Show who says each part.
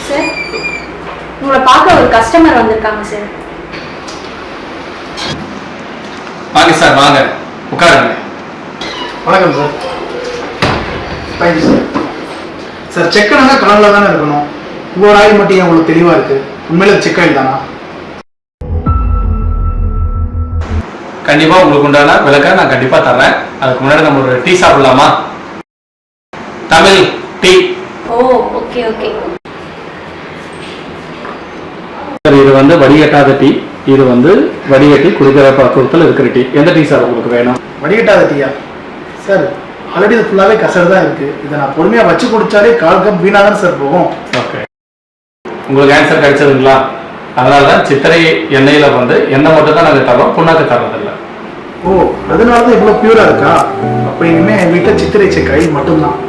Speaker 1: Sir, உங்களை பார்க்க ஒரு கஸ்டமர் வந்திருக்காங்க சார்.
Speaker 2: வாங்க சார், வாங்க உட்காருங்க.
Speaker 3: வணக்கம் sir. Thank you sir. Sir, check ஆனா கலரில் தானே இருக்கணும். உங்களோட ஆயில் மட்டும் உங்களுக்கு தெளிவாக இருக்குது. உண்மையில செக் ஆயில் தானா?
Speaker 2: கண்டிப்பாக உங்களுக்கு உண்டான விளக்க நான் கண்டிப்பாக தர்றேன். அதுக்கு முன்னாடி நம்ம ஒரு டீ சாப்பிடலாமா? Tamil tea.
Speaker 1: Oh, okay okay.
Speaker 2: Sir, இது வந்து வடிகட்டாத டீ. இது வந்து வடிகட்டி குடிக்கிற பக்குவத்தில் இருக்கிற டீ. எந்த டீ சார் உங்களுக்கு வேணும்?
Speaker 3: வடிகட்டாத டீயா சார்? ஆல்ரெடி இது ஃபுல்லாகவே கசடு தான் இருக்குது. இதை நான் பொறுமையாக வச்சு குடித்தாலே 1/4 கப் வீணாக தான் சார் போகும்.
Speaker 2: ஓகே, உங்களுக்கு ஆன்சர் கிடைச்சதுங்களா? அதனால தான் சித்திரை எண்ணெயில் வந்து எண்ணெய் மட்டும் தான் நாங்கள் தரோம், புண்ணாக்கு தர்றதில்லை.
Speaker 3: ஓ, அதனால தான் இவ்வளோ பியூராக இருக்கா? அப்போ இனிமேல் என் வீட்டில் சித்திரை செக் ஆயில் மட்டும்தான்.